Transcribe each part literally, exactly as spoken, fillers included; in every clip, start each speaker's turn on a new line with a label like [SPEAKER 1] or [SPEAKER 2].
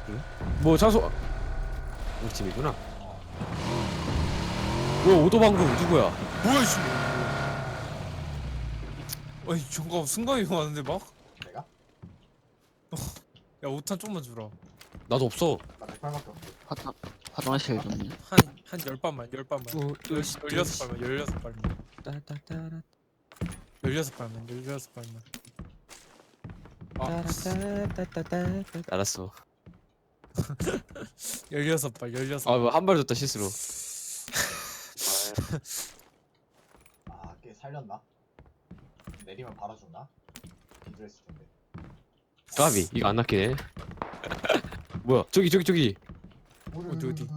[SPEAKER 1] 뭐 장소 우리 집이구나. 뭐 오도방구 누구야?
[SPEAKER 2] 뭐야 이씨. 아니 잠깐 순간이 왔는데 막?
[SPEAKER 3] 내가?
[SPEAKER 2] 야 오탄 좀만 주라.
[SPEAKER 1] 나도 없어.
[SPEAKER 3] 나 백팔밖에 없어.
[SPEAKER 4] 화장 화장실 좀요.
[SPEAKER 2] 한한 열 발만 열 발만.
[SPEAKER 1] 어,
[SPEAKER 2] 열 열여섯 발만 열여섯 발만.
[SPEAKER 1] 따따따라
[SPEAKER 2] 열여섯 발만 열여섯 발만. 아
[SPEAKER 1] 따따따따따. 알았어.
[SPEAKER 2] 열여섯 발 열여섯.
[SPEAKER 1] 아 뭐 한 발 줬다 실수로.
[SPEAKER 3] 아, 꽤 살렸나? 내리면 바로 죽나? 기절했을 텐데.
[SPEAKER 1] 까비 이거 안 낚이네. 뭐야 저기 저기 저기.
[SPEAKER 2] 어디, 어디?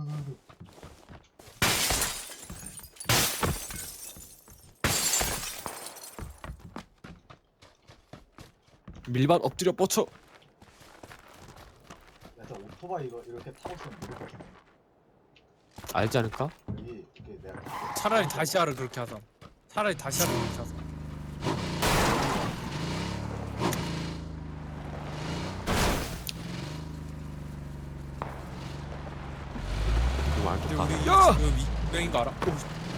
[SPEAKER 1] 밀반 엎드려 뻗쳐.
[SPEAKER 3] 야, 저 오토바이 이거 이렇게 타고 있으면 이렇게 좀
[SPEAKER 1] 알지 않을까?
[SPEAKER 3] 여기 이렇게 내가
[SPEAKER 2] 차라리 다시아를 그렇게 하자. 차라리 다시아를 그렇게 하자.
[SPEAKER 1] 이거 안
[SPEAKER 2] 근데
[SPEAKER 1] 좋다.
[SPEAKER 2] 우리
[SPEAKER 1] 야!
[SPEAKER 2] 지금 이 명인 거 알아? 오,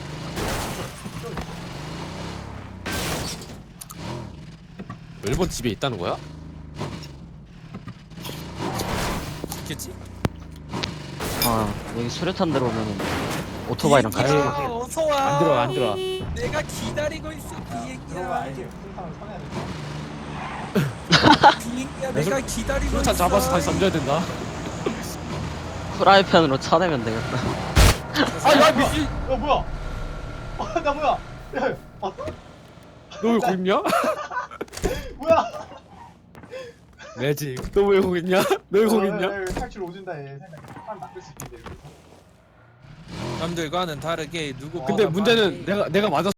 [SPEAKER 1] 일본 집에 있다는 거야?
[SPEAKER 2] 있겠지?
[SPEAKER 4] 아 여기 수류탄 들어오면 오토바이랑 같이
[SPEAKER 2] 비행기야,
[SPEAKER 4] 가세요.
[SPEAKER 2] 어서 와.
[SPEAKER 1] 안 들어와 안 들어와.
[SPEAKER 2] 내가 기다리고 있어
[SPEAKER 3] 그런 거
[SPEAKER 2] 비행기야.
[SPEAKER 3] 알지? 풀탕을 쳐내야 돼.
[SPEAKER 2] 비행기야 내가 기다리고
[SPEAKER 1] 수류탄
[SPEAKER 2] 있어.
[SPEAKER 1] 잡아서 다시 던져야 된다.
[SPEAKER 4] 프라이팬으로 쳐내면 되겠다.
[SPEAKER 1] 아야 미친.
[SPEAKER 3] 야, 뭐야? 아, 나 뭐야? 야, 봤어?
[SPEAKER 1] 너왜 거기 있냐?
[SPEAKER 3] 뭐야?
[SPEAKER 1] 매직. 너 왜 거기 있냐? 너 왜 거기 있냐?
[SPEAKER 3] 야, 야, 야, 탈출 오진다 얘. 생각해. 사람 낚을 수 있겠는데 여기서.
[SPEAKER 2] 남들과는 다르게 누구
[SPEAKER 1] 근데 문제는 내가 내가 맞았.